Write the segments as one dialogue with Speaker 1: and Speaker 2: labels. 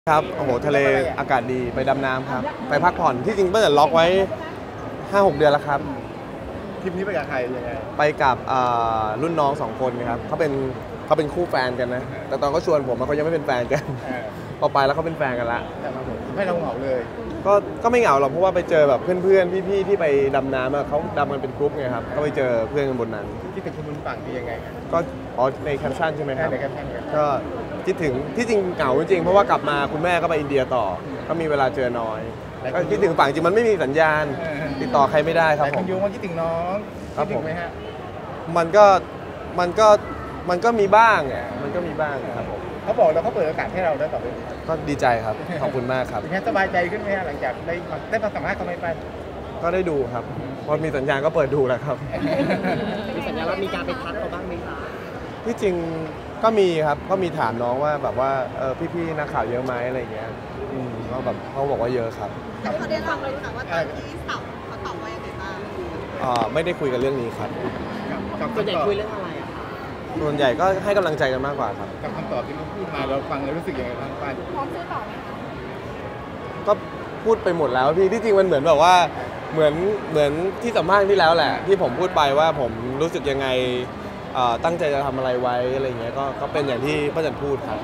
Speaker 1: ครับโอ้โหทะเลอากาศดีไปดำน้ำครับไปพักผ่อนที่จริงเมื่อล็อกไว้ 5-6 เดือนแล้วครับ
Speaker 2: ทริปนี้ไปกับใครยังไง
Speaker 1: ไปกับรุ่นน้อง2 คนครับเขาเป็นคู่แฟนกันนะแต่ตอนเขาชวนผมเขายังไม่เป็นแฟนกันพอไปแล้วเขาเป็นแฟนกันละ
Speaker 2: ไม่เราเหงาเลย
Speaker 1: ก็ไม่เหงาหรอกเพราะว่าไปเจอแบบเพื่อนๆพี่ๆที่ไปดำน้ำเขาดำกันเป็นกรุ๊ปไงครับก็ไปเจอเพื่อนกันบนนั้น
Speaker 2: ที่เป็นคนบนฝั่งที่ยังไง
Speaker 1: ก็ในแคปชั่นใช่ไหมครับ
Speaker 2: ในแคปชั่น
Speaker 1: ก็คิดถึงที่จริงเหงาจริงเพราะว่ากลับมาคุณแม่ก็ไปอินเดียต่อก็มีเวลาเจอน้อยก็คิดถึงฝั่งจริงมันไม่มีสัญญาณติดต่อใครไม่ได้ครับผม
Speaker 2: คุณโยงว่าคิดถึงน้องคิดถึงไหมฮะ
Speaker 1: มันก็มีบ้างมันก็มีบ้างครับผม
Speaker 2: เขาบอกแล้วเขาเปิดโอกาสให้เราแล้วต่อไป
Speaker 1: ก็ดีใจครับขอบคุณมากครับ
Speaker 2: เป็นไงสบายใจขึ้นไหมฮะหลังจากได้มาสัมภาษณ์เขาไม่ไป
Speaker 1: ก็ได้ดูครับพอมีสัญญาณก็เปิดดูแล้วครับ
Speaker 3: มีสัญญาณว่ามีการไปทักเขาบ้างไหมคะ
Speaker 1: ที่จริงก็มีครับก็มีถามน้องว่าแบบว่าพี่ๆนักข่าวเยอะไหมอะไรเงี้ยก็แบบเขาบอกว่าเยอะครับ
Speaker 4: เขาได้ฟังเลยค่ะว่าตอนที่สอบเขาตอบว่ายังไงบ้าง
Speaker 1: ไม่ได้คุยกันเรื่องนี้ครับ
Speaker 3: ส่วนใหญ่คุยเรื่องอะไรอะคะ
Speaker 1: ส่วนใหญ่ก็ให้กำลังใจกันมากกว่าครับ
Speaker 2: กับคำตอบที่เขาพูดมาเราฟังแล้วรู้สึกยังไงบ้างป้า
Speaker 4: พร้อมซื้อต่อไหมคะ
Speaker 1: ก็พูดไปหมดแล้วพี่ที่จริงมันเหมือนแบบว่าเหมือนที่สัมภาษณ์ที่แล้วแหละที่ผมพูดไปว่าผมรู้สึกยังไงตั้งใจจะทำอะไรไว้อะไรเงี้ยก็เป็นอย่างที่ป้าจันพูดครับ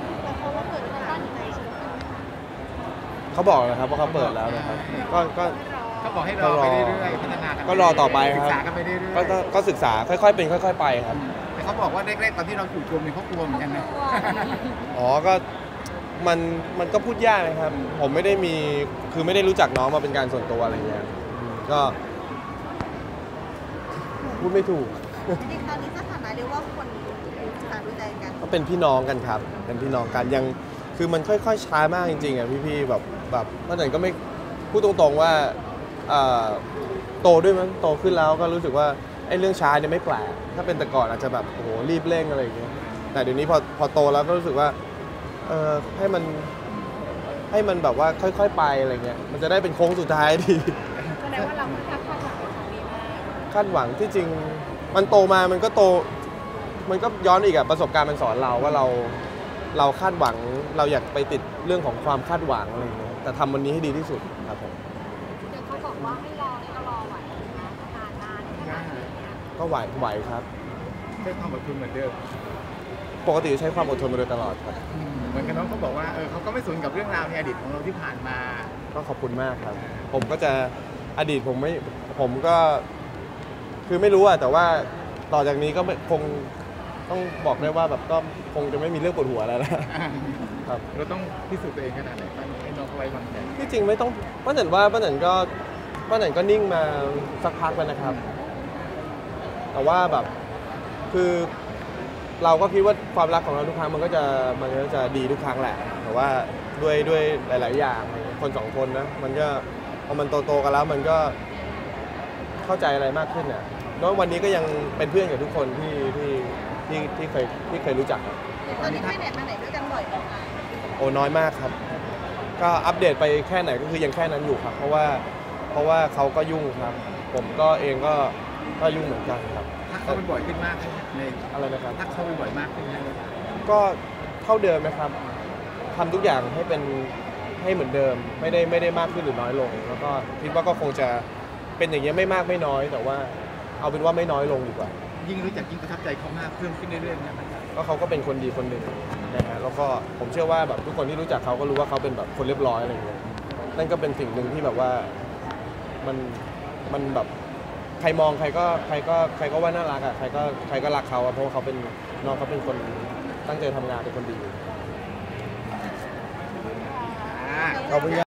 Speaker 1: เขาบอกนะครับว่าเขาเปิดแล้วนะครับก็
Speaker 2: เขาบอกให้รอไปเรื่อยๆพัฒนา
Speaker 1: ก็รอต่อไปครับ
Speaker 2: ศึกษากันไปเรื่อย
Speaker 1: ๆก็ศึกษาค่อยๆเป็นค่อยๆไปครับ
Speaker 2: แต่เขาบอกว่าแรกๆตอนที่เราถูกโจมเนี่ยเขากลัวเหมือนกันนะ
Speaker 1: ก็มันก็พูดยากนะครับผมไม่ได้มีคือไม่ได้รู้จักน้องมาเป็นการส่วนตัวอะไรเงี้ยก็พูดไม่ถูก
Speaker 4: จริงๆตอนนี้สถานะเรียกว่าคนต่างรู้ใจกัน
Speaker 1: ก็เป็นพี่น้องกันครับเป็นพี่น้องกันยังคือมันค่อยๆช้ามากจริงๆอ่ะพี่ๆแบบเมื่อไหร่ก็ไม่พูดตรงๆว่าโตด้วยมั้งโตขึ้นแล้วก็รู้สึกว่าไอ้เรื่องช้าเนี่ยไม่แปลกถ้าเป็นแต่ก่อนอาจจะแบบโอ้โหรีบเร่งอะไรอย่างเงี้ยแต่เดี๋ยวนี้พอโตแล้วก็รู้สึกว่าให้มันแบบว่าค่อยๆไปอะไรเงี้ยมันจะได้เป็นโค้งสุดท้ายดี
Speaker 4: แสดงว่าเราค่อนข้างคาดหวังกับของนี้มาก
Speaker 1: คาดหวังที่จริงมันโตมามันก็โตมันก็ย้อนอีกอะประสบการณ์มันสอนเราว่าเราคาดหวังเราอยากไปติดเรื่องของความคาดหวังอะไรเงี้ยแต่ทำวันนี้ให้ดีที่สุดครับผม
Speaker 4: เดี๋ยวเขาบอกว่าให้รอเนี่ยก็รอไหวนะนานขนาดนี้
Speaker 1: ก็ไหวครับ
Speaker 2: ใช้ความอดทนเหมือนเดิม
Speaker 1: ปกติใช้ความอดทนมาโดยตลอดครับ
Speaker 2: เหมือนกับน้องเขาบอกว่าเขาก็ไม่สนกับเรื่องราวในอดีตของเราที่ผ่านมา
Speaker 1: ก็ขอบคุณมากครับผมก็จะอดีตผมก็คือไม่รู้อะแต่ว่าต่อจากนี้ก็คงต้องบอกได้ว่าแบบก็คงจะไม่มีเรื่องปวดหัวแล้วนะครับ
Speaker 2: เราต้องพิสูจน์ตัวเองขนาดไหนให้น้องเขาไว้วางใจ
Speaker 1: ที่จริงไม่ต้องป้าหนันก็นิ่งมาสักพักแล้วนะครับแต่ว่าแบบคือเราก็คิดว่าความรักของเราทุกครั้งมันก็จะดีทุกครั้งแหละแต่ว่าด้วยหลายๆอย่างคน2 คนนะมันก็พอมันโตๆกันแล้วมันก็เข้าใจอะไรมากขึ้นเนี่ยแล้ววันนี้ก็ยังเป็นเพื่อนกับทุกคนที่เคยรู้จัก
Speaker 4: ตอนนี้ไปไหนมาไหนด้วยกันบ่อยไหมคะ
Speaker 1: โอ้น้อยมากครับก็อัปเดตไปแค่ไหนก็คือยังแค่นั้นอยู่ครับเพราะว่าเขาก็ยุ่งครับผมก็เองก็ยุ่งเหมือนกันครับ
Speaker 2: ถ้าเขาไปบ่อยขึ้นมากใน
Speaker 1: อะไรนะครับ
Speaker 2: ถ้าเขาไปบ่อยมากขึ้น
Speaker 1: ก็เท่าเดิมนะครับทำทุกอย่างให้เหมือนเดิมไม่ได้มากขึ้นหรือน้อยลงแล้วก็คิดว่าก็คงจะเป็นอย่างนี้ไม่มากไม่น้อยแต่ว่าเอาเป็นว่าไม่น้อยลงดีกว่า
Speaker 2: ยิ่งรู้จักยิ่งประทับใจเขามากเพิ่มขึ้นเรื่อยๆนะครับ
Speaker 1: ก็เขาก็เป็นคนดีคนหนึ่งนะฮะแล้วก็ผมเชื่อว่าแบบทุกคนที่รู้จักเขาก็รู้ว่าเขาเป็นแบบคนเรียบร้อยอะไรอย่างเงี้ยนั่นก็เป็นสิ่งหนึ่งที่แบบว่ามันแบบใครมองใครก็ว่าน่ารักอ่ะใครก็รักเขาเพราะว่าเขาเป็นน้องเขาเป็นคนตั้งใจทำงานเป็นคนดีขอบคุณ